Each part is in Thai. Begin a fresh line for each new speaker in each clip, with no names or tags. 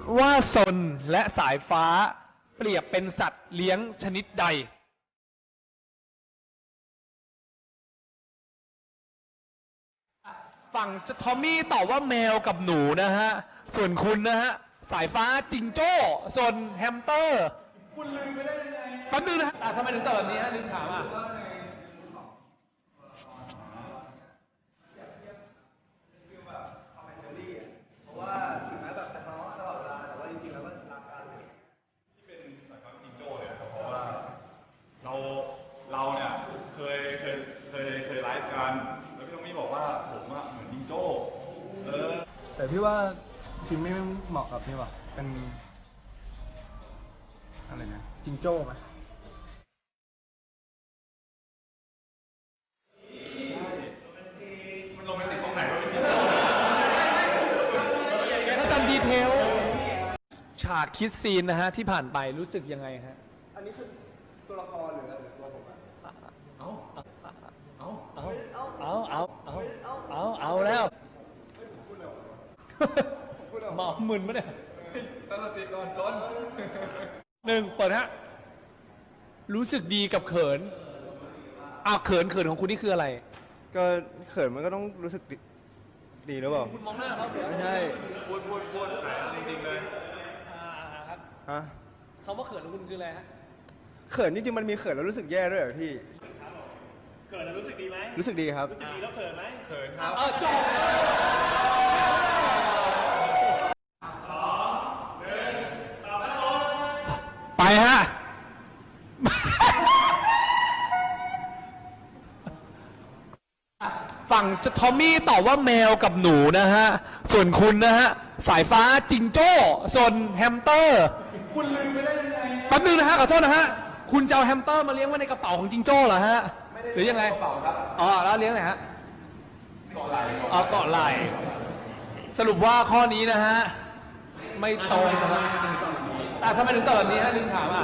ว่าซนและสายฟ้าเปรียบเป็นสัตว์เลี้ยงชนิดใดฝั่งทอมมี่ตอบว่าแมวกับหนูนะฮะส่วนคุณนะฮะสายฟ้าจิงโจ้ส่วนแฮมสเตอร์คุณลืมไปได้ยังไงแป๊บนึงนะฮะทำไมถึงตอบแบบนี้ฮะลืมถามอ่ะ
เพราะว่าถึงแม้แบบจะทะเลาะตลอดเวลาแต่ว่าจริงๆแล้วก็รักกันที่เป็นสายฟ้าจิงโจ้เนี่ยเพราะว่าเราเนี่ยเคยไลฟ์กันแล้วพี่ต้องมีบอกว่าผมอะเหมือนจิงโจ้
แต่พี่ว่าจิมไม่เหมาะกับนี่ว่ะเป็นอะไรนะจิงโจ้ไหม
มันโรแมนติกตรงไหนวะพี่
ถ้าจำดีเทลฉากคิดซีนนะฮะที่ผ่านไปรู้สึกยังไงฮะ
อันนี้คือตัวละครหรือตัวผมอะ
เอาแล้วหมอมึนปะเนี่ย
ตั้งสติก่อนต้น
หนึ่งเปิดฮะรู้สึกดีกับเขินเขินของคุณนี่คืออะไร
ก็เขินมันก็ต้องรู้สึกดีหรือเปล่า
คุณมองหน้าเขา
ไม่ใช่
พูดจริงๆเลย
ครับ
ฮะ
คำว่าเขินของคุณคืออะไรฮะ
เขินจริงๆมันมีเขินแล้วรู้สึกแย่ด้วยเหรอพี่
เกิดแล้วรู้สึกดีไหม
รู้สึกดีครับ
รู้สึกดีแล้วเขินไหม
เขินครับ
จบไปฮะ ฝั่งทอมมี่ตอบว่าแมวกับหนูนะฮะ ส่วนคุณนะฮะ สายฟ้าจิงโจ้ส่วนแฮมสเตอร์
คุณลืมไปได้ยังไง
แป๊บนึงนะฮะขอโทษนะฮะ คุณจะเอาแฮมสเตอร์มาเลี้ยงไว้ในกระเป๋าของจิงโจ้เหรอฮะ หรือยังไงกระเป๋าครับแล้วเลี้ยงไหนฮะเกาะไหล่เกาะไหล่สรุปว่าข้อนี้นะฮะไม่ตรงนะครับทำไมถึงตอบแบบนี้ฮะลืมถามอ่ะ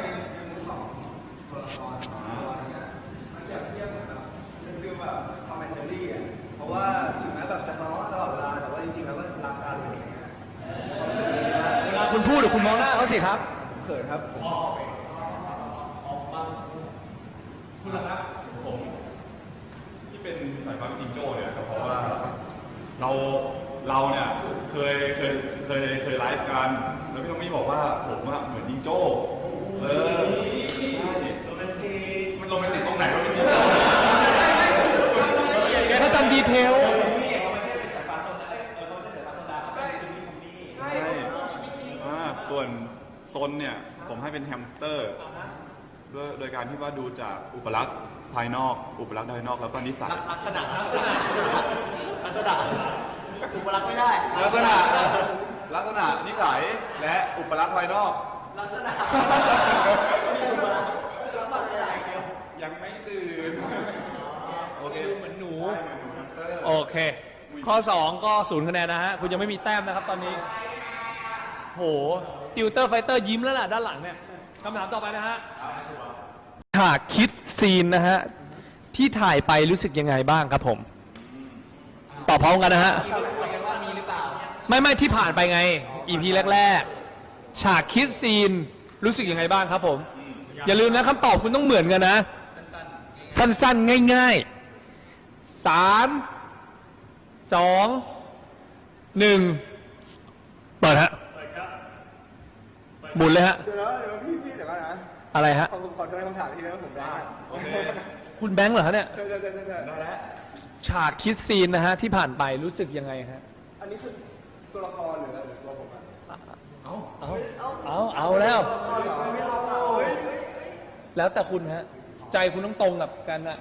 คือแบบทอมแอนด์เจอรี่อ่ะเพราะว่าถึงแม้แบบจะทะเลาะตลอดเวลาแต่ว่าจริงๆแล้วก็รักกันอะไรอย่างเงี้ย
เวลาคุณพูดหรือคุณมองหน้าเขาสิครับ
เขินครับ
คุณล่ะครับ
ที่เป็นสายฟ้าจิงโจ้เนี่ยเพราะว่าเราเนี่ยเคยไลฟ์กันแล้วพี่ต้องมีบอกว่าผมอะเหมือนจิงโจ้ใช่มันโรแมนติกตรงไหนวะพี่
ถ้าจำดีเทล
ใช่ส่วนซนเนี่ยผมให้เป็นแฮมสเตอร์โดยการที่ว่าดูจากอุปลักษณ์ภายนอกอุปลักษณ์ภายนอกแล้วก็นิสัย
ลักษณะอุปลักษณ์ไม่ได้
ลักษณะนิสัยและอุปลักษณ์ภายนอก
ลักษณะ
ยังไม่ตื่นโอเค
เหมือนหนู โอเค ข้อ 2 ก็0 คะแนนนะฮะ คุณยังไม่มีแต้มนะครับตอนนี้ โห ติวเตอร์ไฟเตอร์ยิ้มแล้วล่ะด้านหลังเนี่ยคำถามต่อไปนะฮะฉากคิดซีนนะฮะ ที่ถ่ายไปรู้สึกยังไงบ้างครับผม ตอบพร้อมกันนะฮะ ไม่ที่ผ่านไปไง EP แรกๆ ฉากคิดซีนรู้สึกยังไงบ้างครับผม อย่าลืมนะคำตอบคุณต้องเหมือนกันนะ สั้นๆ ง่ายๆ 3 2 1 เปิดฮะหมุนเลยฮะ
เดี๋ยวพี่เดี๋ยวก่อนนะ
อะไรฮะ
ผมขอโทษคำถามที่แล้วผมได้
โอเค
คุณแบงค์เหรอฮะเนี่ย
ใช่
ได้แล้ว
ฉากคิดซีนนะฮะที่ผ่านไปรู้สึกยังไงฮะ
อันนี้คือตัวละครหรือตัวผมอะ
เอาแล้ว แล้วแต่คุณฮะ ใจคุณต้องตรงกับกันอะ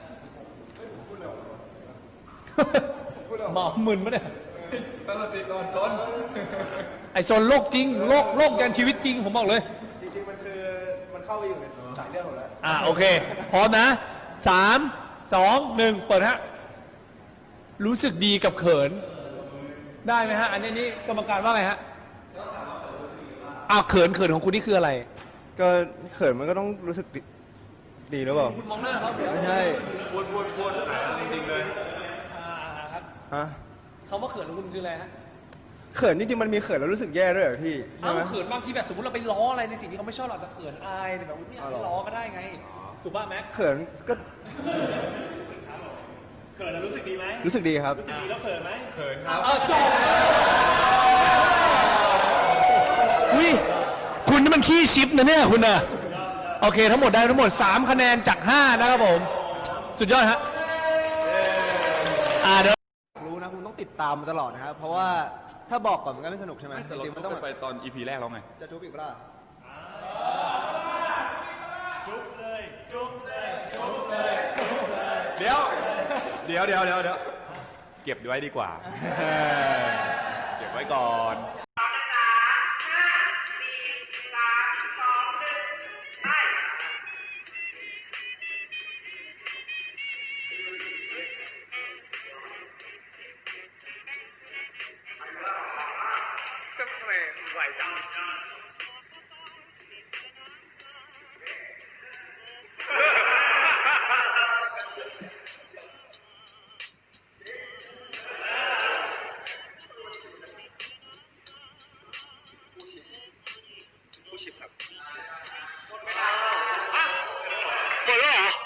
หมอมึนปะเนี่ย
ตั้งสติก่อนต้น
ไอโซนโลกจริง โลกยันชีวิตจริงผมบอกเลย
จริงๆมันคือมันเข้าไปอยู่ในสายเลือดผมแล้ว
โอเค พร้อมนะ 3 2 1 เปิดฮะ รู้สึกดีกับเขิน ได้ไหมฮะ อันนี้กรรมการว่าไงฮะเขินของคุณนี่คืออะไร
ก็เขินมันก็ต้องรู้สึกดีหรือเปล่า
คุณมองหน้าเขา
ไม่ใช่
พูดจริงๆเลย
ครับ
ฮะ
คำว่าเขินของคุณคืออะไรฮะ
เขินจริงๆมันมีเขินแล้วรู้สึกแย่ด้วยเหรอพี่ใช่
เอ้า
ไหม
เขินบางทีแบบสมมติเราไปล้ออะไรในสิ่งที่เขาไม่ชอบเราจะเขินอายแต่แบบไม่อยากให้ล้อก็ได้ไง ถูกป่ะแม็ก
เขินก็
เขินแล้วรู้สึกดีไหม
รู้สึกดีครับ
รู้สึกดีแล้วเขินไหม
เขินครับ
จบอุ้ยคุณนี่มันขี้ชิปนะเนี่ยคุณอะโอเค ทั้งหมดได้ทั้งหมด3คะแนนจาก 5 นะครับผม สุดยอดฮะเดี๋ยว
รู้นะคุณต้องติดตามมาตลอดนะครับ เพราะว่าถ้าบอกก่อนมันก็ไม่สนุกใช่ไหม
แต่
จ
เรา
ริงๆมัน
ต้
ต้
อ
อง ง
ไปตอน EP แรกแล้วไง
จะจุ๊บอีกเปล่า
จุ๊บเลยจุ๊บเลย
เดี๋ยวเก็บไว้ดีกว่า เก็บไว้ก่อน
หมดแล้วเหรอ